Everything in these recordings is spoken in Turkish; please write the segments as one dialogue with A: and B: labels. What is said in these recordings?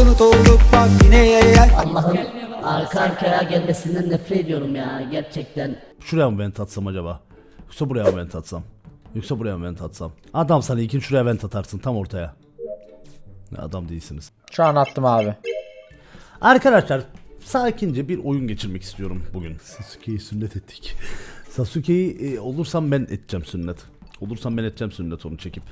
A: unutulduk bak yine.
B: Allah'ın arka arkaya gelmesinden nefret ediyorum ya gerçekten.
C: Şuraya mı vent atsam acaba? Yoksa buraya mı vent atsam? Yoksa buraya mı vent atsam? Adam sana ilkin şuraya vent atarsın tam ortaya. Adam değilsiniz.
D: Şu an attım abi.
C: Arkadaşlar sakince bir oyun geçirmek istiyorum bugün. Sasuke'yi sünnet ettik. Sasuke'yi olursam ben edeceğim sünnet. Olursam ben edeceğim sünnet onu çekip.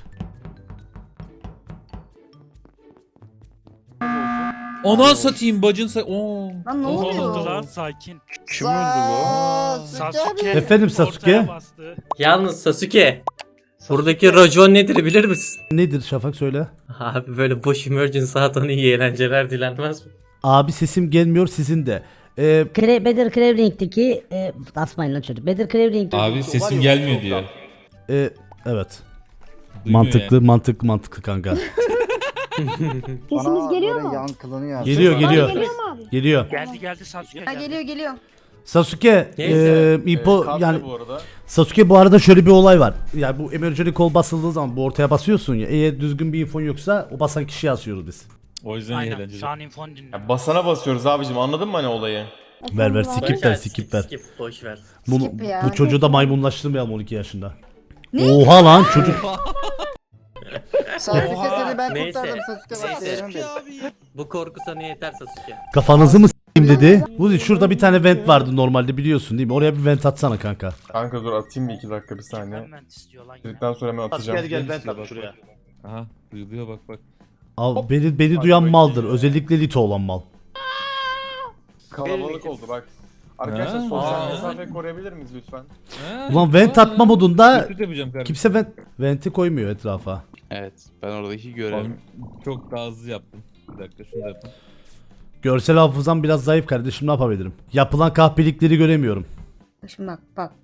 E: Ona satayım bacın
F: Lan ne oluyor?
G: Lan sakin.
H: Kim öldü bu?
G: Sasuke
C: Efendim Sasuke?
G: ortaya bastı.
I: Yalnız Sasuke, buradaki racon nedir bilir misin?
C: Nedir Şafak söyle.
I: Abi böyle boş emergency atan iyi eğlenceler dilenmez mi?
C: Abi sesim gelmiyor sizin de.
B: Bedir Cravelink'teki asmayın lan çocuk. Bedir Cravelink'teki
E: Abi sesim gelmiyor diyor.
C: Evet.
E: Duymuyor yani.
C: Mantıklı kanka.
F: Sesimiz geliyor mu?
C: Geliyor.
F: Geliyor mu abi?
C: Geliyor.
G: Geldi Sasuke
F: Ha
G: geldi.
F: geliyor.
C: Sasuke
I: Neyse.
C: İpo yani Sasuke bu arada şöyle bir olay var. Yani bu emergency call basıldığı zaman bu ortaya basıyorsun ya. Eğer düzgün bir infon yoksa o basan kişiyi asıyoruz biz.
E: O yüzden iyi
G: Aynen
E: eğlenceli.
G: şu an infon dinle.
H: Ya basana basıyoruz abicim, anladın mı hani olayı?
C: Ver skip ver.
I: Skip boş ver.
C: Bunu,
F: Skip ya.
C: bu çocuğu da maymunlaştırmayalım 12 yaşında.
F: Ne?
C: Oha lan çocuk.
I: Sasuke seni ben kurtardım Sasuke. Bu korku sana yeter Sasuke.
C: Kafanızı mı s**eyim dedi. Uzi şurada bir tane vent vardı normalde biliyorsun değil mi? Oraya bir vent atsana kanka.
H: Kanka dur atayım bir 2 dakika bir saniye.
G: Hemen istiyor lan yine.
H: Dedikten sonra hemen atacağım.
E: Gel ben tak şuraya. Aha duyuluyor bak.
C: Al, beni duyan maldır. Özellikle Lito olan mal.
H: Kalabalık oldu bak. Arkadaşlar
E: Ha.
H: sosyal
E: Aa.
H: mesafe koruyabilir miyiz lütfen?
C: Ulan vent atma modunda
E: Kötü yapacağım kardeşim.
C: kimse venti koymuyor etrafa.
J: Evet, ben oradaki görevim.
E: Ben çok daha hızlı yaptım. Bir dakika şunu da yapayım.
C: Görsel hafızam biraz zayıf kardeşim ne yapabilirim? Yapılan kahpelikleri göremiyorum.
F: Şimdi bak.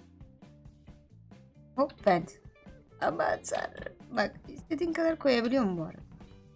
F: Hop vent. Ama sen bak istediğin kadar koyabiliyor mu bu arada?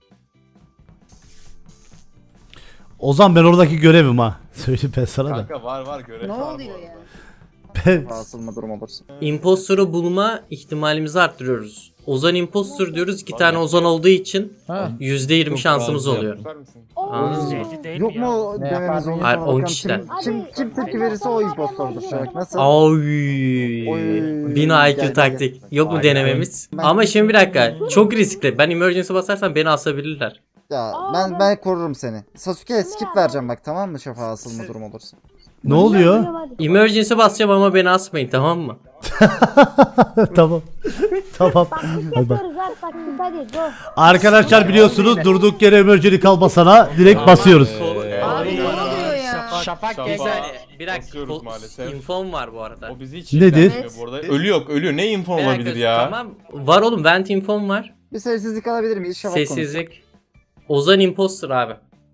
C: Ozan ben oradaki görevim ha. Söyle ben sana da.
H: Kanka var görev
F: Ne
H: var bu
F: oluyor
H: arada.
F: ya?
C: Ben...
I: Imposter'ı bulma ihtimalimizi arttırıyoruz. Ozan imposter diyoruz. 2 tane Ozan olduğu için
D: Ha.
I: %20
E: Çok
I: şansımız
E: fazla
I: oluyor.
H: Tutar mısın?
I: Anladınız mı?
G: Belli değil mi ya?
D: Ne yapardın?
I: Hayır 10 kişiden.
F: Kim tepki verirse o impostordur.
I: Oy. 1000 IQ taktik. Yok mu denememiz? Ama şimdi bir dakika. Çok riskli. Ben emergency basarsam beni asabilirler.
K: Ya ben korurum seni. Sasuke'ye skip vereceğim bak, tamam mı, şafağa asılma durum olursa.
C: Ne oluyor?
I: Emergency basacağım ama beni asmayın tamam mı?
C: Tamam. Tamam. Hadi bak. Arkadaşlar biliyorsunuz durduk yere emergency kalmasana direkt basıyoruz.
F: Abi ne oluyor ya?
D: Şafak
H: Şafak.
D: gezer.
I: Bir dakika.
H: Basıyoruz maalesef.
I: Infom var bu arada.
H: O bizi hiç
C: Nedir?
H: ilgilendirmiyor bu arada. Ölüyor. Ne info
I: Bir dakika,
H: olabilir ya?
I: Tamam. Var oğlum vent infom var.
K: Bir sessizlik alabilir miyiz? Şafak konuş.
I: Sessizlik. Ozan imposter abi.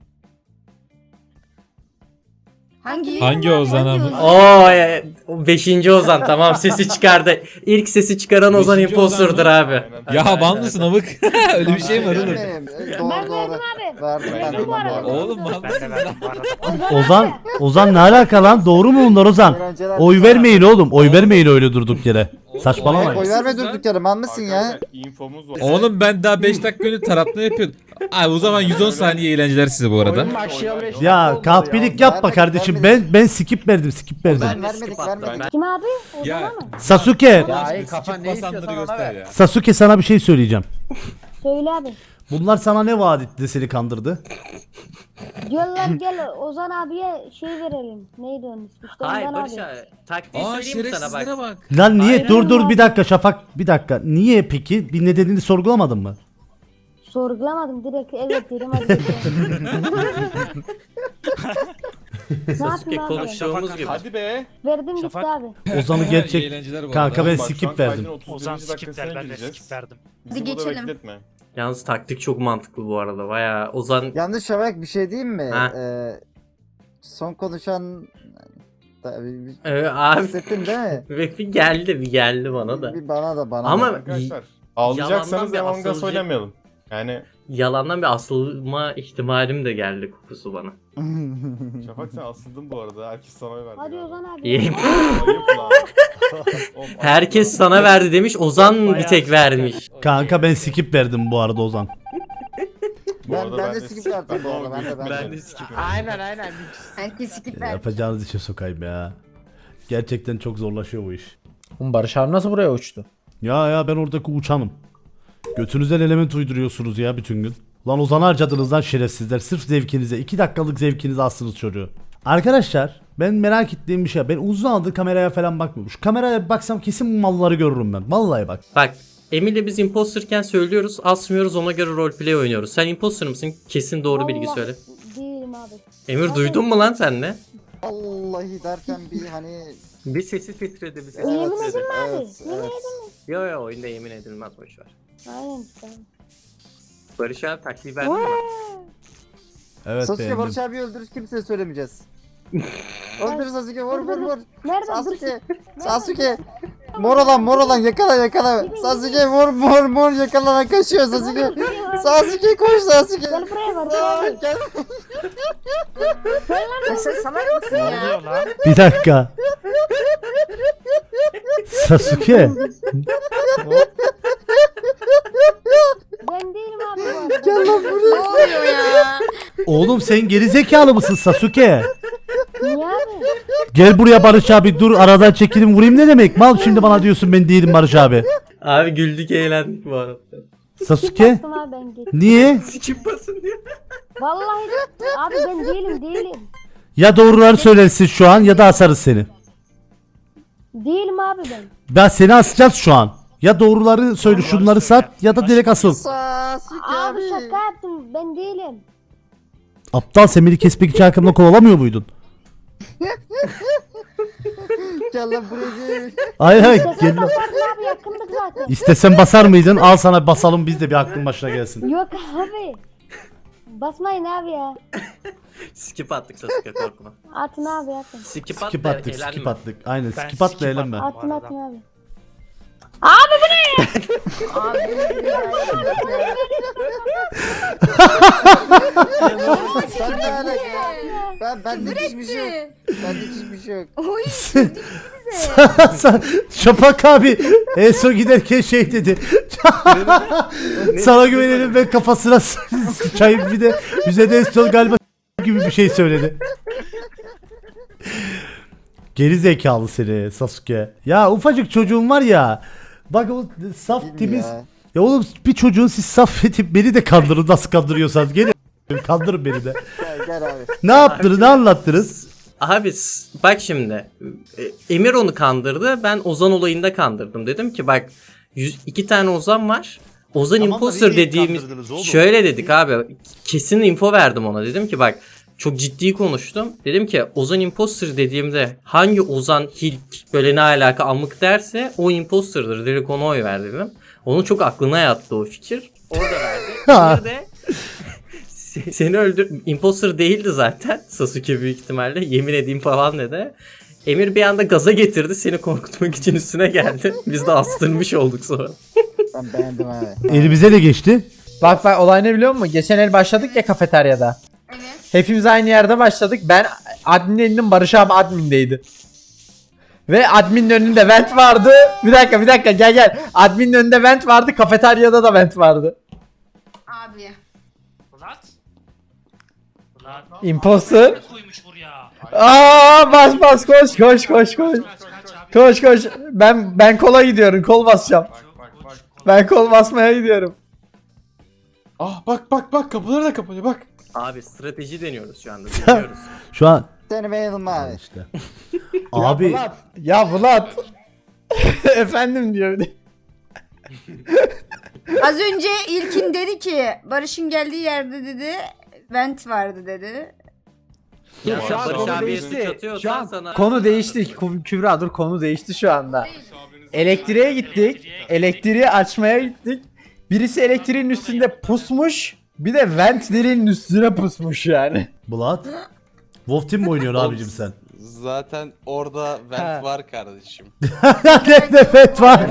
F: Hangi
E: Ozan abi?
I: Oo 5. Ozan tamam sesi çıkardı. İlk sesi çıkaran Ozan
E: Beşinci
I: imposter'dır
E: Ozan
I: abi.
H: Aynen.
E: Ya ban mısın amık? Öyle bir şey mi var oğlum?
K: Doğru. Verdim ben de bu arada.
E: Oğlum ban
G: Ben de
E: mısın
G: verdim bu arada.
C: Ozan ne alaka lan? Doğru mu bunlar Ozan? Oy vermeyin oğlum. Oy vermeyin öyle durduk yere. Saçmalamayın.
K: Oy verme durduk yere, man mısın ya?
H: Arkadaşlar infomuz var.
E: Oğlum ben daha 5 dakika önce tarafını yapıyordum. Abi o zaman 110 saniye eğlenceler size bu arada.
D: Oyun başlayalı 5 dakika
C: Ya
D: oldu
C: kahpelik
D: ya.
C: yapma kardeşim. Ben skip verdim.
K: Vermedik.
F: Kim abi?
E: Ya
C: Sasuke.
D: Ya iyi kafan ne
E: basanları
D: istiyorsan ona
E: göster
D: ver.
E: ya.
C: Sasuke sana bir şey söyleyeceğim.
F: Söyle abi.
C: Bunlar sana ne vaat etti de seni kandırdı?
F: Diyorlar gel Ozan abiye şey verelim. Neydi onun ismi? İşte
I: Hayır
F: Ozan
I: Barış
F: abi.
I: abi. Taktiği
E: Aa
I: söyleyeyim mi sana
E: şerefsizlere
I: bak.
E: bak.
C: Lan niye?
I: Aynen.
C: Dur bir dakika Şafak. Bir dakika. Niye peki? Bir nedenini sorgulamadın mı?
F: Sorgulamadım direkt evet dedim hadi. Ne
I: Sasuke
F: yapayım abi?
I: konuştuğumuz gibi.
H: Hadi be.
F: Verdim gitti
G: Şafak.
F: abi.
C: Ozan'ı
E: İyi
C: gerçek...
E: eğlenceler bu
C: Kanka
E: arada.
C: ben
H: Bak, şu an
C: skip verdim.
H: kaydın 31.
G: Ozan skip
H: dakikasına
G: ver ben de
H: gireceğiz.
G: skip verdim.
H: Bizi
F: Hadi
H: burada
F: geçelim.
H: bekletme.
I: Yalnız taktik çok mantıklı bu arada. Baya Ozan
K: Yanlış Şafak, bir şey diyeyim mi?
I: Ha.
K: Son konuşan...
I: abi
K: Hissettin değil mi?
I: bir geldi bana da.
K: Bir bana da.
I: Ama
H: Arkadaşlar
I: yalandan
H: ağlayacaksanız
I: bir
H: Among Us
I: asılcı-
H: oynamayalım. Yani
I: yalandan bir asılma ihtimalim de geldi kokusu bana.
H: Şafak sen asıldın bu arada. Herkes sana oy verdi.
F: Hadi
H: galiba.
F: Ozan abi.
I: İyi.
H: Ayıp lan. Oğlum,
I: Herkes
H: ayıp
I: sana verdi demiş. Ozan bir tek vermiş.
C: Kanka ben skip verdim bu arada Ozan.
H: Bu arada
K: Ben de skip verdim bu arada. Ben de.
J: skip.
D: Aynen.
F: Herkes skip ver.
C: Yapacağınız işe sokayım ya. Gerçekten çok zorlaşıyor bu iş.
D: Oğlum Barış abi nasıl buraya uçtu?
C: Ya ben oradaki uçanım. Götünüzden element uyduruyorsunuz ya bütün gün. Lan Ozan'ı harcadınız lan şerefsizler. Sırf zevkinize. 2 dakikalık zevkinize astınız çocuğu. Arkadaşlar ben merak ettiğim bir şey. Ben uzun zamandır kameraya falan bakmıyorum. Şu kameraya bir baksam kesin bu malları görürüm ben. Vallahi bak.
I: Bak Emir'le biz imposterken söylüyoruz, asmıyoruz, ona göre roleplay oynuyoruz. Sen imposter mısın? Kesin doğru bilgi
F: Vallahi
I: söyle.
F: Değilim abi.
I: Emir duydun mu lan sen ne?
K: Vallahi derken bir hani...
I: Bir sesi titredi, bir sesi
F: Yemin
I: titredi.
F: edin mi abi?
K: Evet,
F: Yemin
K: evet.
F: edin mi?
I: Yo oyunda yemin edilmez, boşver.
F: Aynen. Tamam.
I: Barış abi taktiği verdin mi?
C: Evet
K: Sasuke
C: beğendim.
K: Barış abi öldürür kimseye söylemeyeceğiz. Öldür Sasuke vur.
F: Nerede?
K: Sasuke. Sasuke. Mor olan yakala. Sasuke vur yakala kaçıyor Sasuke. Sasuke koş Sasuke.
F: Gel buraya Barış abi.
K: Gel.
F: Sen salak mısın
G: Ne
F: ya?
G: oluyor lan?
C: Bir dakika. Sasuke.
F: Ben değilim abi bu arada.
K: Gel lan buraya.
F: Ne oluyor ya?
C: Oğlum sen gerizekalı mısın Sasuke?
F: Niye abi?
C: Gel buraya Barış abi, dur aradan çekilin vurayım ne demek? Mal şimdi bana diyorsun ben değilim Barış abi.
I: Abi güldük eğlendik bu arada.
C: Sasuke?
F: Bastım abi ben geç.
C: Niye?
I: Sikip basın diyor.
F: Vallahi abi ben değilim.
C: Ya doğruları söylersin şu an ya da asarız seni.
F: Değilim abi ben.
C: Ben seni asacağız şu an. Ya doğruları söyle, şunları sat ya da direkt asıl.
K: Sasuke
F: Abi
K: abi.
F: şaka yaptım ben değilim.
C: Aptal, sen beni kesmek için arkamda kovalamıyor muydun?
K: Gel lan buraya gel.
C: Hayır
F: Şaka
C: gel lan.
F: basardın abi yakındık zaten.
C: İstesen basar mıydın? Al sana bir basalım, biz de bir aklın başına gelsin.
F: Yok abi. Basmayın abi ya.
I: Skip attık Sasuke, korkma.
F: Atın abi atın.
I: Skip at
C: Skip
I: da
C: attık,
I: eğlenme.
C: skip attık. Aynen
G: Ben
C: skip at da
G: skip
C: eğlenme.
G: atmam.
F: Atın
G: arada.
F: atın abi. Abi bu ne? Abi bu ne ya?
K: Sen ne alaka? Ben de hiçbir şey yok. Bende hiçbir şey yok.
C: Şafak abi en son giderken şey dedi. Sana güvenelim ve kafasına sıçayım, bir de bize de en son galiba gibi bir şey söyledi. Geri zekalı seni Sasuke. Ya ufacık çocuğun var ya. Bak o saf
K: Değil mi
C: temiz.
K: ya?
C: Ya oğlum bir çocuğun siz saf edip beni de kandırın, nasıl kandırıyorsanız gelin kandırın beni de.
K: Gel abi.
C: Ne yaptınız, ne anlattınız?
I: Abi bak şimdi Emir onu kandırdı, ben Ozan olayında kandırdım. Dedim ki bak 2 tane Ozan var. Ozan
C: Tamam da
I: imposter
C: niye
I: dediğimiz
C: kandırdınız oğlum?
I: şöyle dedik abi, kesin info verdim ona. Dedim ki bak çok ciddi konuştum. Dedim ki Ozan imposter dediğimde hangi Ozan Hilk böyle ne alaka amık derse o imposter'dır. Direkt ona oy ver dedim. Onun çok aklına yattı o fikir. Orada verdi. Emir de seni öldür... Imposter değildi zaten. Sasuke büyük ihtimalle. Yemin edeyim falan dedi. Emir bir anda gaza getirdi. Seni korkutmak için üstüne geldi. Biz de astırmış olduk sonra.
K: Ben beğendim abi.
C: Elimize de geçti.
D: Bak olay ne biliyor musun? Geçen el başladık ya kafeteryada. Evet. Hepimiz aynı yerde başladık. Ben admin elinin, Barış abi admindeydi. Ve adminin önünde vent vardı. Bir dakika gel. Adminin önünde vent vardı. Kafeteryada da vent vardı.
F: Abi.
G: Ulan. Ulan.
D: Imposter.
G: Ne koymuş buraya?
D: Aa bas koş.
G: Kaç abi.
D: Koş. Ben kola gidiyorum. Kol basacağım.
H: Bak.
D: Ben kol basmaya gidiyorum.
J: Ah bak kapıları da kapanıyor bak.
I: Abi strateji deniyoruz şu anda. Deniyoruz.
C: Şu an
K: Seni beğendim abi.
C: işte. Abi
D: Ya Vlad. Efendim diyor bir de.
F: Az önce İlkin dedi ki Barış'ın geldiği yerde dedi vent vardı dedi.
I: Ya
K: Şu
I: sen
K: an
I: Barış
K: konu
I: abiye
K: değişti.
I: suç atıyorsan
D: Şu an
I: sana...
D: konu değişti. Kübra dur, konu değişti şu anda. Elektriğe gittik. Elektriği açmaya gittik. Birisi elektriğin üstünde pusmuş. Bir de ventlerin üstüne pusmuş yani.
C: Bulat. Wolf Team mi oynuyorsun abicim sen?
J: Zaten orada vent
D: Ha.
J: var kardeşim.
C: Ne nefet var.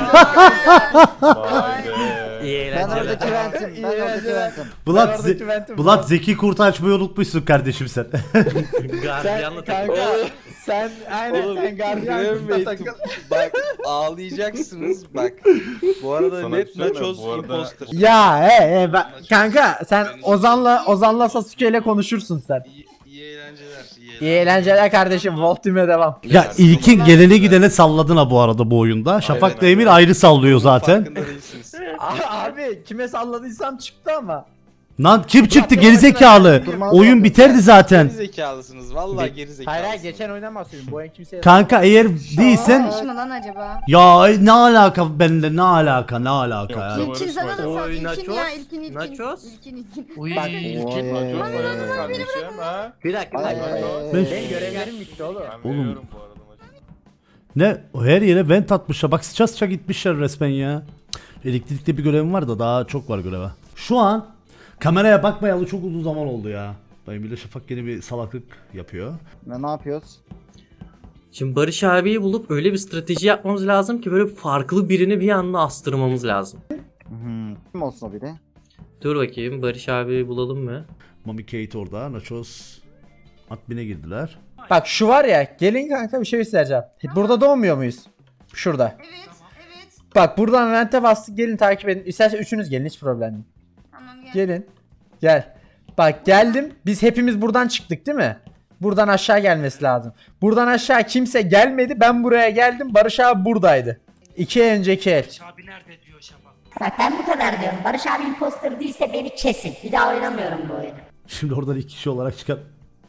H: Vay be.
I: İyi
K: Ben
I: eğlenceler.
K: oradaki ventim. Ben oradaki ventim.
C: Bulat,
D: Ben oradaki ventim.
C: Bulat zeki kurtu açmayı unutmuşsun kardeşim sen.
I: Gardiyanla
D: Kanka
I: takılıyor.
D: Sen aynen
J: Oğlum,
D: sen gardiyan
J: Graham
D: kızla
J: Bey,
D: takıl.
J: Bak ağlayacaksınız bak. Bu arada
H: Sana
J: net
H: bir şey mi?
J: Nachos
H: Bu arada-
J: imposter.
D: Ya kanka sen Ozan'la Sasuke ile konuşursun sen.
J: İyi eğlenceler.
D: İyi eğlenceler kardeşim. Voltime devam.
C: Ya ilkin gelene gidene salladın ha bu arada bu oyunda. Şafak'la
J: Aynen.
C: Emir ayrı sallıyor zaten.
J: Farkında değilsiniz.
D: Abi kime salladıysam çıktı ama.
C: Lan kim çıktı gerizekalı? Oyun biterdi zaten.
J: Geri zekalısınız. Vallahi geri zekalısınız.
D: Hayır geçen oyundan bahsediyorum. Bu oyun kimseye
C: Kanka eğer değilsen
F: Olmuş mu lan acaba?
C: ya ne alaka benimle ne alaka ya.
H: Yok,
F: İlkin sana da
I: Oy,
F: sal. İlkin
I: nachos,
F: ya ilkin.
I: nachos.
F: İlkin.
G: Uy.
D: Bak,
H: İlkin Nachos kardeşim ha.
I: Bir dakika.
K: Ay,
I: bir dakika.
K: ay, ay.
D: Benim görevlerim bitti oğlum.
H: Ben
C: Oğlum.
H: veriyorum bu arada maçı.
C: Ne her yere vent atmışlar. Bak sıça sıça gitmişler resmen ya. Elektrikte bir görevim var da daha çok var göreve. Şu an kameraya bakmayalı çok uzun zaman oldu ya. Dayım bile Şafak yeni bir salaklık yapıyor.
K: Ne yapıyoruz?
I: Şimdi Barış abiyi bulup öyle bir strateji yapmamız lazım ki böyle farklı birini bir anda astırmamız lazım.
K: Kim olsun o biri?
I: Dur bakayım Barış abiyi bulalım mı?
C: Mami Kate orada. Nachos admin'e girdiler.
D: Bak şu var ya gelin kanka bir şey göstereceğim. Burada doğmuyor muyuz? Şurada.
F: Evet. Evet.
D: Bak buradan rente bastık gelin takip edin. İstersen üçünüz gelin hiç problem değil.
F: Tamam gel.
D: Gelin. Gel. Bak geldim. Biz hepimiz buradan çıktık değil mi? Buradan aşağı gelmesi lazım. Buradan aşağı kimse gelmedi. Ben buraya geldim. Barış abi buradaydı. 2 önceki el.
G: Abi nerede diyor Şafak.
B: Bak ben bu kadar diyorum. Barış abi imposter değilse beni kesin. Bir daha oynamıyorum bu oyunu.
C: Şimdi oradan 2 kişi olarak çıkan.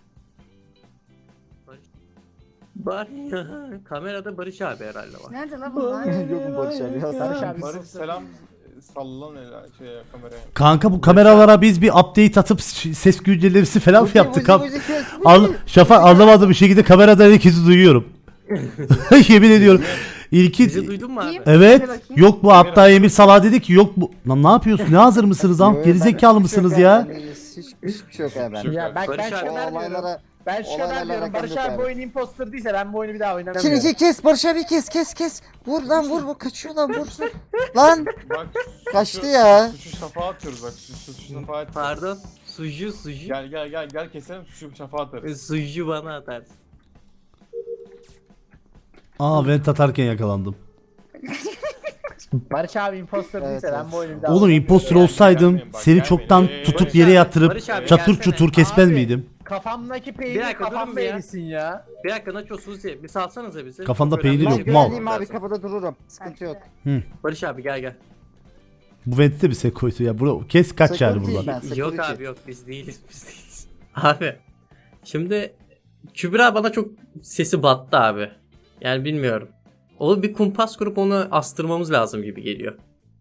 I: Kamerada Barış abi herhalde var.
F: Nerede lan bunlar?
K: Yok mu Barış abi? Ya,
D: Barış abi.
H: Barış selam sallan kameraya.
C: Kanka bu kameralara biz bir update atıp ses güncellemesi falan mı yaptık abi? Şafak anlamadım bir şekilde kameradan herkesi duyuyorum. Yemin ediyorum.
I: Bizi
C: İlkin
I: duydun mu abi?
F: Kim?
C: evet
F: Hadi bakayım.
C: yok bu hatta Emir Salah dedi ki yok bu. Lan ne yapıyorsun? Ne hazır mısınız lan? Gerizekalı mısınız ya?
K: Hiçbir şey yok ya ben.
D: Ya ben
I: Barış
D: şu
I: abi.
K: O
D: kadar diyorum.
K: olaylara...
D: Ben şu kadar
K: olaylarla
D: diyorum.
K: alakam
D: Barış
K: yok
D: abi
K: abi.
D: bu oyun imposter değilse ben bu oyunu bir daha oynamıyorum.
K: Şimdi kes Barış abi kes. Vur lan vur kaçıyor lan vur. Lan
H: Bak
K: kaçtı ya.
H: suçu şafağa atıyoruz bak suçu şafağa atıyoruz.
I: Pardon. Suju.
H: Gel keselim suçu şafağa atarız.
I: Suju bana atarsın.
C: Aa vent atarken yakalandım.
D: Barış abi imposter
K: Evet,
D: değilse ben
K: evet.
D: bu oyunu bir daha
C: Oğlum impostor olsaydım
H: Gelmeyin bak,
C: seni
H: gelmeyin.
C: çoktan tutup yere yatırıp
I: Barış abi
C: çatır
I: gelsene.
C: çutur kesmez
D: Abi.
C: miydim?
D: Kafamdaki
I: Bir
D: peynir
I: dakika, durun
D: kafamda
I: bir ya.
D: erisin ya.
I: Bir dakika Nacho Suzi bir salsanıza bizi.
C: Kafanda
I: Çok önemli
C: peynir
I: bir
C: yok,
I: şey
C: mal.
K: Geleyim abi
I: lazım.
K: kapıda dururum. Sıkıntı yok.
I: Barış abi gel.
C: Bu vent'te bir sekoytu ya. Bura, kes kaç yani
K: Security
C: buradan.
K: ben,
I: Yok
K: security.
I: abi yok biz değiliz. Abi şimdi Kübra bana çok sesi battı abi. Yani bilmiyorum. O bir kumpas kurup onu astırmamız lazım gibi geliyor.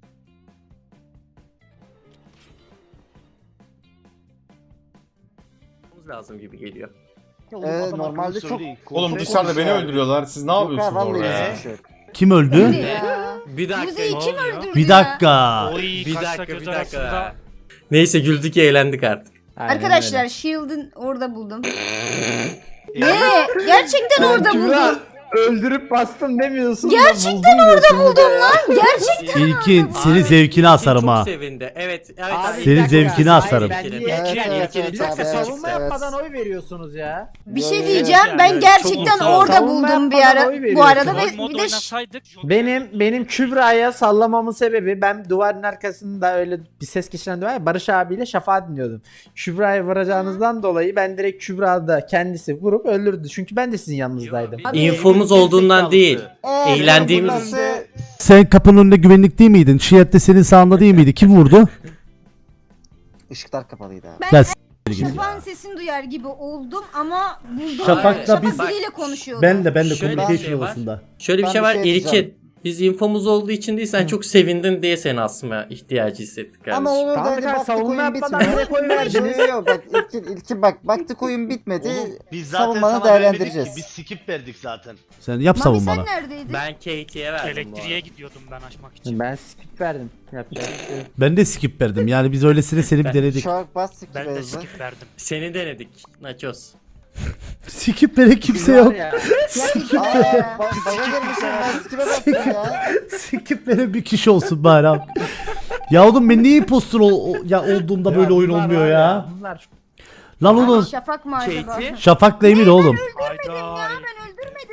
I: Lazım gibi geliyor.
K: Normalde çok...
H: Oğlum dışarıda beni öldürüyorlar. Siz ne
K: Yok
H: yapıyorsunuz
K: ha, vallahi
H: orada ya?
K: hiçbir şey yok.
C: Kim öldü?
F: Ne ya?
I: Bir dakika.
F: Müziği kim öldürdü
C: Bir
F: ya?
C: dakika.
G: Oy
I: Bir
G: kaçta
I: dakika
G: göz
I: bir dakika.
G: arasında.
I: Neyse güldük eğlendik artık.
D: Aynen
F: Arkadaşlar
D: öyle.
F: Shield'ın orada buldum. Ne? Gerçekten orada
D: Kübra,
F: buldum.
D: öldürüp bastım demiyorsun.
F: Gerçekten orada buldum lan. Gerçekten.
C: İlkin senin
I: Abi,
C: zevkini asarım
I: çok
C: ha.
I: sevindi. Evet.
D: Abi,
I: abi.
C: Senin
D: bir dakika.
C: zevkini asarım.
D: Hayır, ben
I: İlkin,
D: niye-
K: Evet,
I: İlkin,
K: evet,
I: İlkin,
K: evet,
D: Bir dakika
K: evet,
D: savunma
K: evet.
D: yapmadan oy veriyorsunuz ya.
F: Bir şey
K: Evet,
F: diyeceğim.
G: yani
F: Ben
G: çok
F: gerçekten
G: sağ ol.
F: orada
D: Savunma
F: buldum bir
D: yapmadan
F: ara.
D: oy
F: Bu arada
D: veriyorsun.
F: ve
G: Mod
F: bir de
G: oynasaydık.
D: Benim Kübra'ya sallamamın sebebi ben duvarın arkasında öyle bir ses geçiren duvar ya, Barış abiyle Şafak'ı dinliyordum. Kübra'ya vuracağınızdan dolayı ben direkt Kübra'da kendisi vurup öldürdü. Çünkü ben de sizin yanınızdaydım.
F: Abi,
I: İnfomuz olduğundan değil. Eğlendiğimiz
K: burası-
C: Sen kapının önünde güvenlik değil miydin? Şiyet de senin sağında değil miydi? Kim vurdu?
K: Işıklar kapalıydı abi.
C: Ben
F: Şafak'ın sesini duyar gibi oldum ama buldum.
C: Şafak'la
F: Şafak
C: biz-
F: biriyle konuşuyordu.
C: Ben de
I: Şöyle bir
C: communication
I: şey var.
C: yuvasında.
I: Şöyle bir
K: Ben
I: şey
K: bir
I: var
K: şey diyeceğim.
I: İlkin. Biz infomuz olduğu için değil sen çok sevindin diye seni asmaya ihtiyacı hissettik kardeşim.
K: Ama onu
D: Tamam,
K: da
D: kanka,
K: baktık
D: savunma
K: oyun
D: yapmadan
K: bitmedi.
D: direkt oy verdiniz.
K: Yok bak ilkin bak baktık oyun bitmedi.
A: Biz zaten
K: Savunmanı
A: sana vermedik
K: değerlendireceğiz.
A: ki, biz skip verdik zaten.
C: Sen yap
F: Mami
C: savun
F: sen
C: bana.
F: neredeydin?
I: Ben Katie'ye verdim bu
G: Elektriğe
I: arada.
G: gidiyordum ben açmak için.
D: Ben skip verdim. Yapacak bir şey yok.
C: Ben de skip verdim. Yani biz öylesine seni bir denedik.
K: Şark bastık
G: Ben
K: gibi
G: de
K: hızlı.
G: skip verdim.
I: Seni denedik Nachos.
C: Skip veren kimse
D: Var
C: yok.
D: ya,
K: Aa bana gelmişsin ben sikime bastım ya.
C: Skip veren bir kişi olsun bari abi. Ya oğlum ben niye impostor olduğumda böyle oyun
D: bunlar
C: olmuyor
D: var
C: ya?
D: Bunlar
C: Lan oğlum
F: Şafak mı acaba?
I: Katie.
C: Şafak'la Emir oğlum.
G: Hayda.
F: Ya ben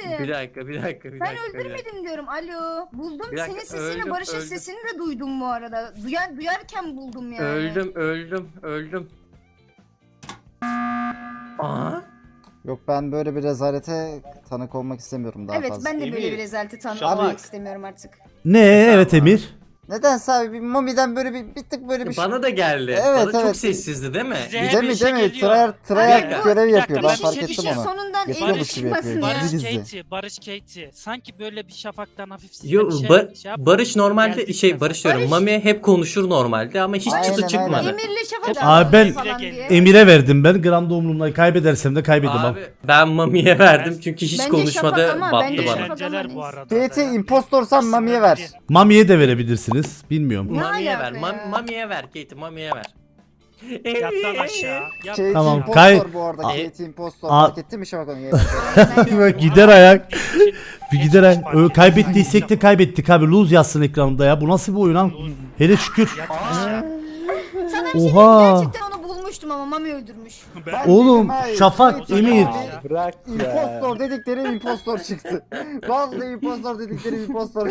F: öldürmedim.
I: Bir dakika.
F: Ben öldürmedim diyorum. Alo. Buldum
I: Bir dakika,
F: senin sesini,
I: öldüm,
F: Barış'ın
I: öldüm.
F: sesini de duydum bu arada. Duyarken buldum yani.
I: Öldüm. Aa.
K: Yok ben böyle bir rezalete tanık olmak istemiyorum daha
F: Evet
K: fazla.
F: ben de böyle
A: Emir,
F: bir rezaleti
A: Şafak.
F: tanımak istemiyorum artık.
C: Ne evet Emir?
K: Nedense abi bir Mami'den böyle bir tık böyle bir
I: Bana da geldi.
K: Evet,
I: Bana çok
K: evet.
I: sessizdi değil mi?
G: Size
K: Değil
G: her
K: mi
G: bir şey
K: değil mi?
G: geliyor.
K: Tryhard
I: Bir dakika,
K: görev
G: bir dakika,
K: yapıyor ben
G: ben
K: fark
G: bir
K: ettim
G: şey
K: onu.
F: Sonundan
K: Yapıyormuş
F: Emir
K: gibi yapıyor.
F: çıkmasın ya.
G: Barış
K: Gizli.
G: Katie, Barış Katie. Sanki böyle bir şafaktan hafif size
I: Yo,
G: bir şey,
I: Ba-
G: yapma.
I: Barış normalde
G: Geldikten
I: Barış diyorum.
F: Barış-
I: Mami hep konuşur normalde ama hiç
K: Aynen,
I: çıtı çıkmadı.
K: aynen.
F: Emir'le Şafak
C: Abi ben
F: falan diye.
C: Emir'e verdim ben. Gramda umurumda kaybedersem de kaybedemem.
I: Abi ben Mami'ye verdim çünkü hiç
F: Bence
I: konuşmadı,
F: Şafak ama
I: battı
F: bence
I: bana.
F: Şafak-
G: Eğlenceler bu arada.
K: Katie
G: da ya.
K: impostorsan Mami'ye ver.
C: Mami'ye de verebilirsiniz. Bilmiyorum.
F: Ne
I: Mami'ye ver,
F: alaka ya?
I: Mami'ye ver Katie, Mami'ye ver.
G: Yattan aşağı.
K: Katie
C: Tamam,
K: impostor bu arada.
C: Aa.
K: Katie impostor.
C: Aa.
K: Fark ettin mi Şafak onu?
C: Bak gider ayak. Bir gider ayak. Kaybettiysek de kaybettik abi. Lose yazsın ekranında ya. Bu nasıl bir oyun lan? Hele şükür.
F: Sana bir şey diyeyim,
C: Oha.
F: gerçekten onu bulmuştum ama Mami öldürmüş.
C: Oğlum
K: Hayır,
C: Şafak,
K: Katie
C: Emir.
J: Bırak ya.
K: İmpostor dedikleri impostor çıktı. Vallahi impostor dedikleri impostor.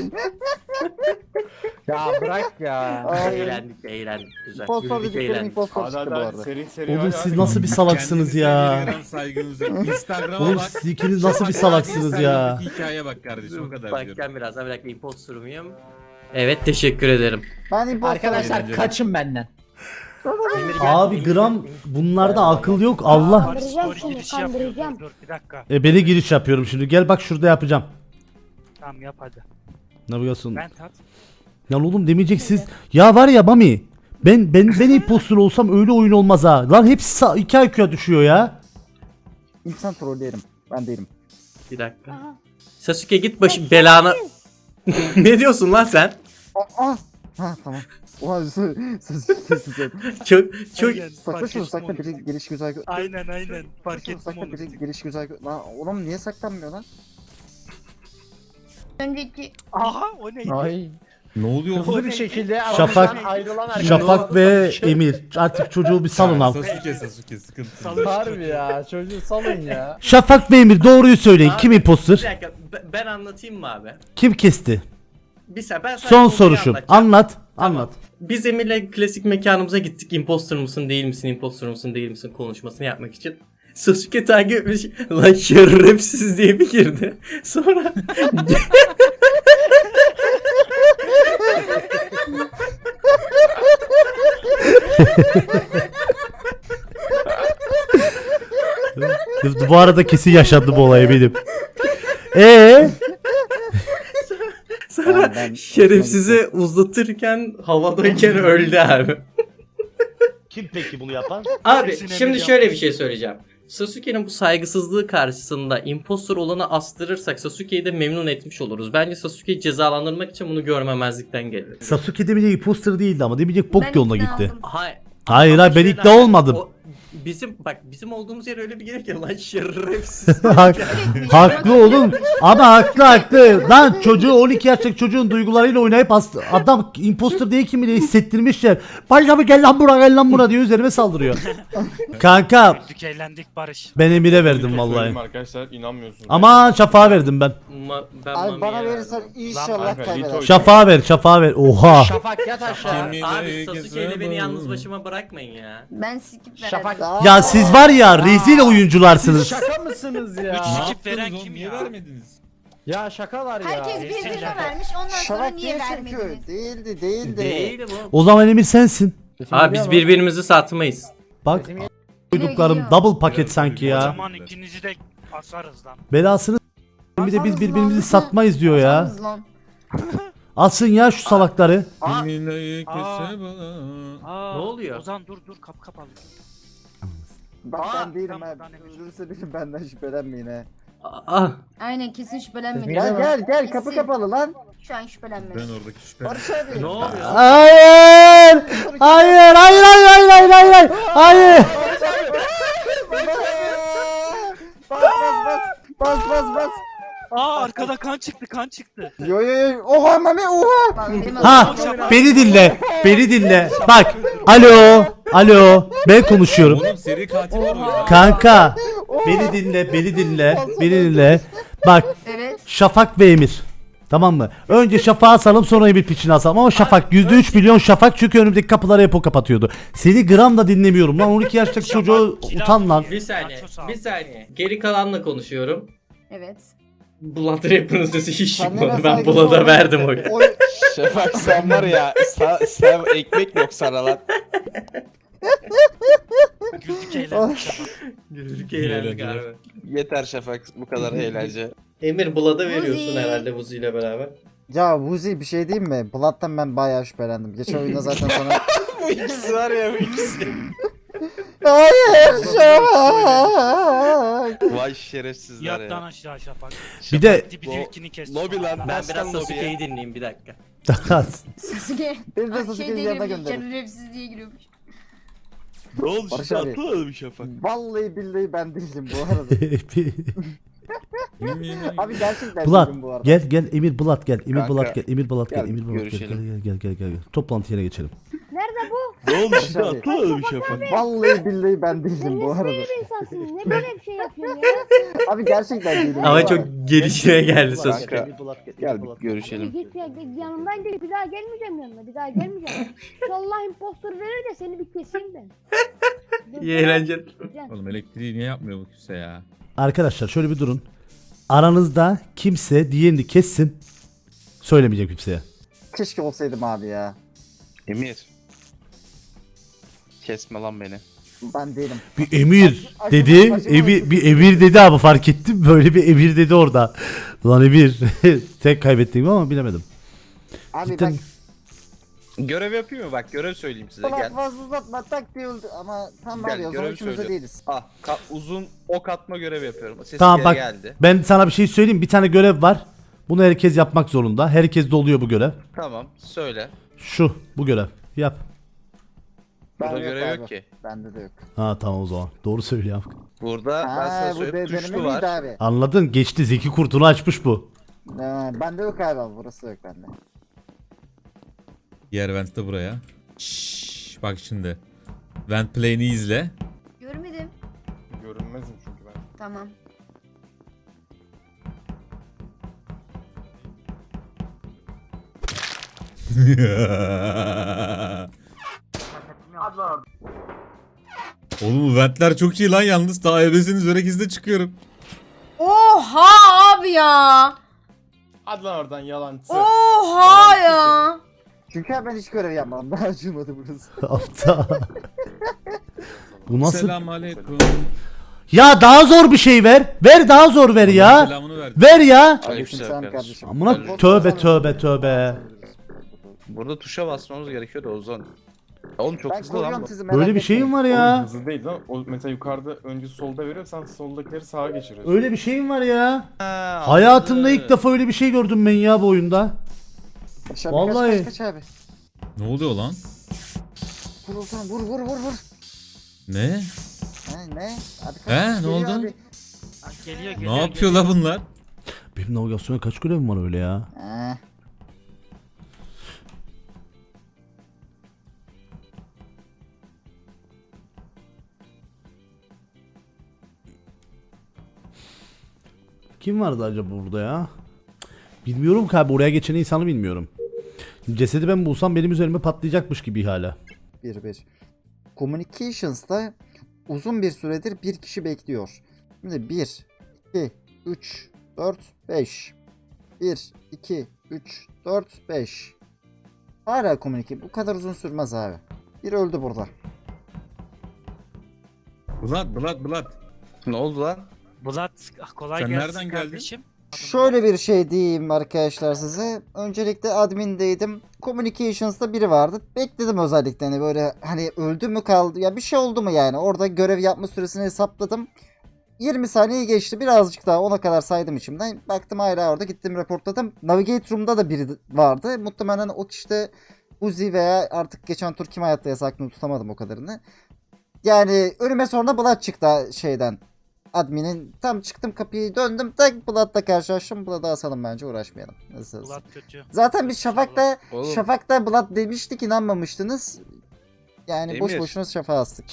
J: Ya bırak ya.
K: Ay,
I: Eğlendik güzel.
K: impostor
I: Güldük,
K: dedikleri
I: eğlendik.
K: impostor
H: Hadi
K: çıktı
H: hadi
K: bu
H: hadi
K: arada.
H: seri
C: Oğlum
H: hadi,
C: siz
H: hadi.
C: nasıl bir salaksınız ya?
E: Instagram'a
C: Oğlum
E: bak.
C: siz ikiniz nasıl bir salaksınız ya?
E: Hikayeye bak kardeşim o kadar diyorum.
I: Bakacağım birazdan, bir dakika impostor muyum? Evet, teşekkür ederim.
K: Ben impostor.
D: Arkadaşlar kaçın benden.
C: Abi gram bunlarda akıl yok. Allah.
G: Barış story girişi yapıyor. Dur bir dakika.
C: Beni giriş yapıyorum şimdi. Gel bak şurada yapacağım.
G: Tamam yap hadi.
C: Navigasyon.
G: Ben tat.
C: Ya oğlum demeyeceksiniz. Ya var ya Mami. Ben impostor olsam öyle oyun olmaz ha. Lan hepsi 2 IQ'ya düşüyor ya.
K: İnsan trolleyelim. Ben değilim.
I: Bir dakika. Sasuke git başı belana. Ne diyorsun lan sen?
K: Aa. Ha tamam. Oha sözü kesin sen.
I: Çok
G: Aynen,
K: Sakla
G: fark
K: şunu
G: ettim
K: sakla
G: onu.
K: biri giriş güzel.
G: Aynen fark ettim
K: Sakla
G: onu.
K: biri giriş güzel. Lan oğlum niye saklanmıyor lan?
F: Önceki
G: Aha o neydi?
D: Ay.
E: Ne oluyor?
D: Hızlı bir şekilde
C: Şafak-
D: aramızdan ayrılan arkadaşlar.
C: Şafak ve Emir. Artık çocuğu bir salın abi.
E: Sasuke sıkıntı.
D: Harbi ya çocuğu salın ya.
C: Şafak ve Emir doğruyu söyleyin.
I: Abi,
C: Kim
I: Bir
C: impostor?
I: dakika ben anlatayım mı abi?
C: Kim kesti?
I: Bir saniye ben sadece
C: Son
I: konuyu
C: soruşum.
I: anlatacağım.
C: Anlat.
I: Tamam.
C: Anlat.
I: Biz Emir'le klasik mekanımıza gittik. Impostor musun değil misin? Impostor musun değil misin? Konuşmasını yapmak için. Sasuke takip etmiş. Lan şerefsiz diye bir girdi. Sonra
C: Bu arada kesin yaşandı bu olay benim.
I: sonra
K: Ben-
I: şerefsizi uzatırken havadayken öldü abi.
A: Kim peki bunu yapan?
I: Abi
G: Kesin Emir
I: şimdi
G: yapmış.
I: şöyle bir şey söyleyeceğim. Sasuke'nin bu saygısızlığı karşısında impostor olanı astırırsak Sasuke'yi de memnun etmiş oluruz. Bence Sasuke'yi cezalandırmak için bunu görmemezlikten gelir.
C: Sasuke demeyecek imposter değildi ama demeyecek bok
F: Ben
C: yoluna
F: ikna
C: gitti.
F: oldum.
I: Hayır.
C: Hayır
I: Ama
C: hayır ben
I: şöyle
C: ikna
I: abi,
C: olmadım.
I: o- bizim olduğumuz yer öyle bir yer ki lan şerefsiz.
C: Haklı oğlum. Ama haklı. Lan çocuğu 12 yaşındaki çocuğun duygularıyla oynayıp adam imposter değil kim bile hissettirmişler. Başka gel lan bura diyor üzerime saldırıyor. Kanka
G: Güldük eğlendik Barış.
C: ben Emir'e verdim
H: Söyleyeyim
C: vallahi.
H: Arkadaşlar inanmıyorsunuz.
C: Ama Şafak'a verdim ben.
I: Ben
K: Abi bana
I: Mami'ye
K: verirsen
I: verdim.
K: inşallah
H: Lan,
K: kaybeder.
C: Şafak'a ver. Oha.
D: Şafak yat aşağı.
I: Abi Sasuke ile beni yalnız başıma bırakmayın ya.
F: ben skip verdim.
D: Şafak.
C: Ya siz var ya rezil oyuncularsınız.
D: Şaka mısınız ya?
G: Skip veren
E: Yaptınız
G: kim
E: oğlum,
G: ya?
E: Niye vermediniz?
D: Ya şakalar ya.
F: Herkes birbirine vermiş ondan sonra
K: Şafak
F: niye
K: değil çünkü.
F: vermediniz?
K: Değildi.
I: Değil bu.
C: O zaman Emir sensin.
I: Abi biz birbirimizi satmayız.
C: Bak duyduklarım double paket sanki
G: O
C: ya.
G: zaman ikinizi de asarız lan.
C: Belasını s- bir de biz birbirimizi satmayız diyor ya.
F: Yalnız lan.
C: Alsın ya şu salakları.
E: Aa.
G: Aa,
I: Ne oluyor?
G: Ozan dur kap alayım.
K: Ben değilim
G: tamam,
K: abi.
G: tamam, Emir.
K: Öldürürse benim benden şüphelenmeyin he.
I: Ah.
F: Aynen kesin şüphelenmedim.
K: Gel kapı kapalı lan.
F: Şu an şüphelenmedim.
E: Ben oradaki şüphe.
K: Barış abi.
I: Ne oluyor?
C: Hayır! Hayır!
K: Bas.
G: Aa arkada kan çıktı.
K: Yo. Oha Mami oha.
F: Bak, benim
C: Ha,
F: adım-
C: beni dinle. Bak, alo, ben konuşuyorum.
E: Oğlum seri katil var orada.
C: Kanka, beni dinle. Bak
F: Evet.
C: Şafak ve Emir. Tamam mı? Önce Şafak'ı asalım sonra Emir piçini asalım. Ama Şafak %3 milyon Şafak çünkü önümdeki kapıları hep o kapatıyordu. Seni gram da dinlemiyorum lan 12 yaşındaki çocuğu utan lan.
I: Bir saniye. Geri kalanla konuşuyorum.
F: Evet.
I: Blood Rapper'ın sesi hiç
K: Kendine
I: çıkmadı. Ben
K: saygı
I: Blood'a
K: sor.
I: verdim oyu.
J: Şafak sen var ya sen ekmek yok sana lan.
G: Güldük eğlendik Şafak.
I: Güldük eğlendik abi.
J: Yeter Şafak bu kadar eğlence.
I: Emir Blood'a veriyorsun
F: Vuzi.
I: herhalde Vuzi ile beraber.
K: Ya Vuzi bir şey diyeyim mi? Blood'dan ben bayağı şüphelendim. Geçen oyunda zaten sana...
J: Bu ikisi var ya bu ikisi.
K: Hayır Şafak.
J: Vay şerefsizler
G: Yattan
J: ya.
G: aşağı Şafak.
C: Bir de
G: Dibi
J: Bu
G: ilkini kesti.
J: Lobi lan
I: Ben
J: bas
I: biraz
J: lan lobiye.
I: Sasuke'yi dinleyeyim bir dakika.
F: Sasuke.
K: Beni de
F: Ay,
K: Sasuke'nin
F: diye
K: yanına
F: giriyormuş,
K: gönderin.
F: şerefsiz diye giriyormuş.
J: Ne oldu
K: Barış
J: şimdi
K: abi.
J: atlamadın mı Şafak?
K: Vallahi billahi ben değilim bu arada. Abi gerçekten
C: Bulat
K: değilim bu arada.
C: gel Emir Bulat gel. Emir
J: Kanka,
C: Bulat gel. Emir Bulat gel.
J: gel,
C: Emir Bulat gel.
J: görüşelim.
C: Gel. Toplantı yerine geçelim.
J: Ne oldu
K: Barış
J: şimdi
K: abi.
J: atlamadın mı Şafak?
K: Vallahi billahi ben değilim bu arada.
L: Ne böyle bir şey yapıyorsun ya?
K: Abi gerçekten değilim. bu
I: Ama
K: arada.
I: çok gelişine geldi Sasuke.
J: Kanka gel bir görüşelim.
L: Git ya, yanımdan gel, bir daha gelmeyeceğim yanına, bir daha gelmeyeceğim. Allah impostor verir de seni bir keseyim ben.
I: İyi eğlenceler.
E: Oğlum elektriği niye yapmıyor bu kimse ya?
C: Arkadaşlar şöyle bir durun. Aranızda kimse diğerini kessin. Söylemeyeceğim kimseye.
K: Keşke olsaydım abi ya.
J: Emir. Kesme lan beni.
K: Ben değilim.
C: Bir Emir
K: Acaba-
C: dedi.
K: acaba-
C: Bir Emir dedi abi fark ettim. Böyle bir Emir dedi orada. Lan Emir. Tek kaybettim ama bilemedim.
K: Abi
C: Cidden-
K: bak
J: Görev yapayım mı? Bak görev söyleyeyim size
K: ulan
J: gel.
K: fazla uzatma tak diye öldü ama tam var
J: Gel
K: ya o zaman
J: görev
K: ikimiz de
J: söyleyeceğim.
K: değiliz.
J: Ah uzun ok atma görevi yapıyorum. Sesim
C: Tamam
J: geri
C: bak
J: geldi.
C: ben sana bir şey söyleyeyim. Bir tane görev var. Bunu herkes yapmak zorunda. Herkes de oluyor bu görev.
J: Tamam söyle.
C: Şu bu görev. Yap.
J: Burada
K: Ben
J: görev
K: abi.
J: yok ki.
K: Bende de yok.
C: Ha tamam o zaman. Doğru söylüyor.
J: Burada ben
K: Ha
J: sana
K: bu
J: söyleyeyim
K: deneme
J: tuşlu
K: miydi
J: var.
K: abi?
C: Anladın? Geçti. Zeki Kurt'unu açmış bu.
K: Bende yok abi burası yok bende.
E: Diğer vent de buraya. Bak şimdi. Vent play'ini izle.
F: Görmedim.
H: Görünmezim çünkü ben.
F: Tamam.
E: Oğlum bu ventler çok iyi lan yalnız. Daha ebesiniz örekizde çıkıyorum.
F: Oha abi ya.
H: Hadi lan oradan yalancı.
F: Oha ya.
K: Çünkü abi ben hiç görev yapmadım. Daha acımadı burası.
C: Aptal. Bu nasıl?
E: Selamünaleyküm.
C: Ya daha zor bir şey ver. Ver daha zor ver ya.
E: Selamını ver.
C: Ver ya.
K: Aleykümselam kardeşim.
C: Amına tövbe.
J: Burada tuşa basmamız gerekiyor da Ozan. Oğlum çok
K: Ben
J: hızlı lan
K: koruyorum
J: bu.
K: sizi merak
C: Böyle bir
K: etmeyin.
C: şeyim var
H: Oğlum
C: ya.
H: hızlı değil lan. O mesela yukarıda önce solda veriyor sen soldakileri sağa geçiriyorsun.
C: Öyle bir şeyim var ya.
J: Ha,
C: Hayatımda
J: anladım.
C: ilk defa öyle bir şey gördüm ben ya bu oyunda.
K: Kaç abi,
C: Vallahi.
K: kaç abi.
E: Ne oluyor lan?
K: Vur Ozan vur.
E: Ne?
K: Ne? Abi kaç
E: He, ne
K: geliyor
E: oldu?
K: abi.
G: Geliyor
E: Ne yapıyor la bunlar?
C: Benim navigasyona kaç görevim var öyle ya?
K: He.
C: Kim vardı acaba burada ya? Bilmiyorum ki abi oraya geçen insanı bilmiyorum. Cesedi ben bulsam benim üzerime patlayacakmış gibi hala.
K: Bir. Communications'ta uzun bir süredir bir kişi bekliyor. Şimdi 1, 2, 3, 4, 5. 1, 2, 3, 4, 5. Hala communicate. Bu kadar uzun sürmez abi. Bir öldü burada.
E: Blood.
J: Ne oldu lan?
G: Bulat kolay
E: Sen
G: gelsin
E: nereden geldin?
G: kardeşim.
K: Şöyle bir şey diyeyim arkadaşlar size. Öncelikle admindeydim. Communications'ta biri vardı. Bekledim özellikle hani böyle hani öldü mü kaldı ya bir şey oldu mu yani. Orada görev yapma süresini hesapladım. 20 saniye geçti. Birazcık daha ona kadar saydım içimden. Baktım hala orada gittim reportladım. Navigate Room'da da biri vardı. Muhtemelen o kişi de Uzi veya artık geçen tur kim hayatta aklımı tutamadım o kadarını. Yani önüme sonra Blood çıktı şeyden. Admin'in tam çıktım kapıyı döndüm tak Blood'la karşılaştım. Blood'ı asalım bence uğraşmayalım. Nasıl?
G: Bulat kötü.
K: Zaten biz Şafak'ta
J: Oğlum.
K: Blood demiştik inanmamıştınız. Yani boş
J: Emir.
K: boşuna şafa astık.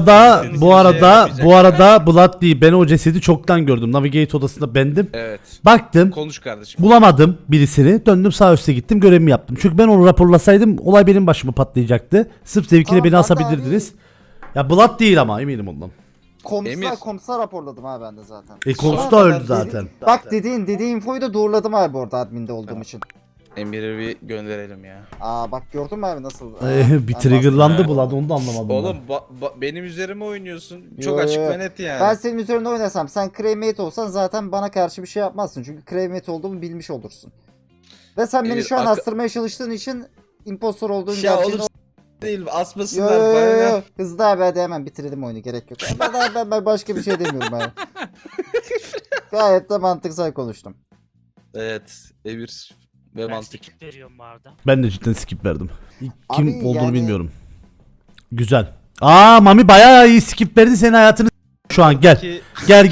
C: Bu arada Blood değil. Ben o cesedi çoktan gördüm. Navigate odasında bendim.
J: Evet.
C: Baktım.
J: Konuş kardeşim.
C: Bulamadım birisini. Döndüm sağ üste gittim. Görevimi yaptım. Çünkü ben onu raporlasaydım olay benim başıma patlayacaktı. Sırf zevkine
K: Tamam,
C: beni
K: ben de
C: asabilirdiniz. Ya Blood değil ama eminim ondan.
J: Emir.
K: Komsa raporladım abi ben de zaten.
C: Komsu
K: Sonra
C: da
K: ben
C: öldü zaten.
K: Bak dediğin infoyu da doğruladım abi orada adminde olduğum için.
J: Emir'i bir gönderelim ya.
K: Aa bak gördün mü abi nasıl?
C: Bir triggerlandı Blood onu da anlamadım.
J: Oğlum benim üzerime oynuyorsun. Çok
K: Yo,
J: açık
K: yo.
J: ve net yani.
K: Ben senin üzerinde oynasam sen crewmate olsan zaten bana karşı bir şey yapmazsın. Çünkü crewmate olduğumu bilmiş olursun. Ve sen beni
J: Emir,
K: şu an
J: akı-
K: astırmaya çalıştığın için impostor olduğun
J: Ya
K: gerçeğini...
J: oğlum değil
K: Yo,
J: asmasınlar
K: yo, yo,
J: bana.
K: yo. Hızlı abi hadi hemen bitirelim oyunu gerek yok. Ben başka bir şey demiyorum abi. Gayet de mantıksal konuştum.
J: Evet Emir ve
G: Ben
J: mantık.
G: skip veriyorum bu arada.
C: Ben de cidden skip verdim. Kim
K: Abi
C: olduğunu
K: yani-
C: bilmiyorum. Güzel. Mami bayağı iyi skip verdi senin hayatını şu an gel.
J: Ki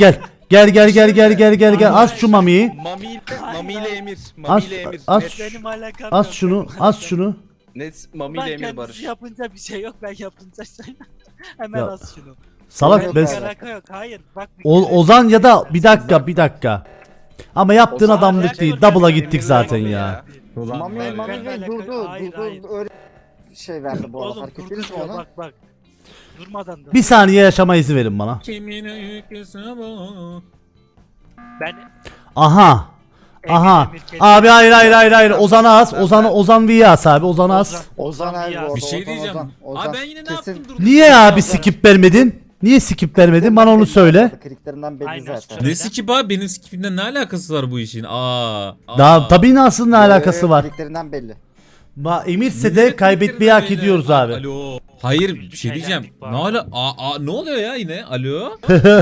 C: Gel. Az şu Mami'yi.
J: Mami ile Emir.
C: Az,
J: Mami ile Emir.
C: az,
J: Net,
G: Benim alakam
C: az
G: yok.
C: şunu, az şunu.
J: net Mami
G: Ben
J: ile Emir
G: kendisi
J: Barış.
G: yapınca bir şey yok. Ben yapınca şey. Hemen
C: Ya,
G: az şunu.
C: Salak
K: Yok
C: ben...
K: abi.
G: Alaka yok. Hayır. Bak.
C: Ozan ya da bir dakika. Ama yaptığın
J: Ozan
C: adamlık
J: alaka
C: değil.
J: yok
C: Double'a
J: yani,
C: gittik
J: Emir'le
C: zaten
J: Mami
C: ya.
K: Mami
G: ben
K: Bey
G: alakalı-
K: durdu.
G: Hayır, hayır.
K: Öyle şey verdi bu arada.
G: Oğlum
K: Fark
G: durdu
K: ettiniz mi
G: diyor.
K: onu?
G: Bak. Durmadan da.
C: Bir saniye yaşama izni verin bana.
E: Kimin öyküsü bu?
G: Ben
C: Aha.
G: Emir, kendi-
C: Abi hayır. Ozan'a as. Ozan V'ye as abi. Ozan'a as.
K: Ozan abi bu arada.
E: Bir şey
K: Ozan,
E: diyeceğim.
K: Ozan.
E: Abi ben yine ne
K: Kesin-
E: yaptım durdum.
C: Niye abi skip vermedin? Niye skip vermedin? Bana onu söyle.
K: Kliklerinden belli
G: Aynen,
K: zaten.
G: söyle.
E: Ne skip abi benim skipimle ne alakası var bu işin?
C: Daha tabii nasıl ne alakası var?
K: Kliklerinden belli.
C: Emirse de kaybetmeyi hak ediyoruz abi.
E: Alo. Hayır bir şey diyeceğim.
G: eğlendik
E: Ne
G: bu
E: ala ne oluyor ya yine? Alo.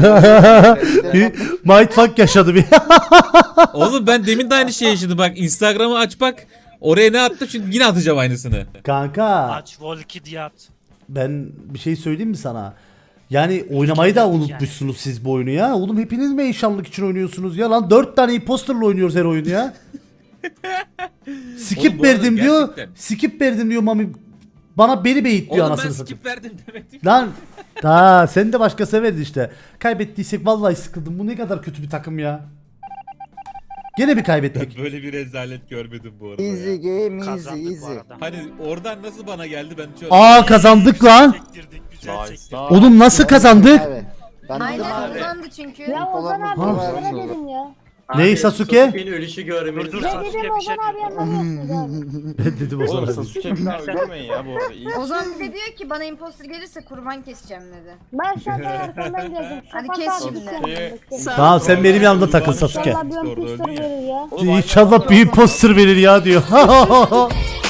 C: Mindfuck yaşadı bir.
E: Oğlum ben demin de aynı şeyi yaşadım bak. Instagram'ı aç bak. Oraya ne attım şimdi yine atacağım aynısını.
C: Kanka
G: Aç Volki diye at.
C: ben bir şey söyleyeyim mi sana? Yani oynamayı da unutmuşsunuz siz bu oyunu ya. Oğlum hepiniz mi eşanlık için oynuyorsunuz ya lan? 4 tane imposterla oynuyoruz her oyunu ya. Skip
E: Oğlum bu arada
C: verdim diyor.
E: gerçekten.
C: Skip verdim diyor Mami. Bana beni beyit diyor
E: Oğlum ben
C: anasını satayım.
E: skip verdim demedim.
C: Lan sen de başka severdin işte. Kaybettiysek vallahi sıkıldım. Bu ne kadar kötü bir takım ya. Gene bir kaybettik.
E: Böyle bir rezalet görmedim bu arada
K: Easy
E: ya.
K: game
G: Kazandık bu
K: easy.
G: arada.
E: Hani oradan nasıl bana geldi ben çok...
C: Kazandık lan.
G: Çektirdik. Güzel
H: Nice.
G: çektirdik.
H: nice.
C: Oğlum nasıl kazandık?
K: Abi. Ben dedim
F: Aynen
K: abi.
F: uzandı çünkü.
L: Ya Ozan abi
K: Ha.
L: sana dedim ya.
C: Ney Sasuke?
G: Dur
L: Ne
G: Sasuke
L: dedim
G: bir şey
L: Ozan abi
G: diyor.
L: anlamıyorsun abi.
C: Dedim o
H: Oğlum
C: zaman.
H: Sasuke bir daha öldürmeyin ya bu arada. İyi.
F: Ozan bir de diyor ki bana imposter gelirse kurban keseceğim dedi.
L: Ben şuradan arkandan geldim.
F: Hadi
L: Şafak
F: kes
L: abi
F: şimdi.
L: sen-
C: Tamam sen benim yanımda takıl Sasuke.
L: İnşallah bir ön pistol verir ya.
C: İnşallah bir imposter verir ya diyor.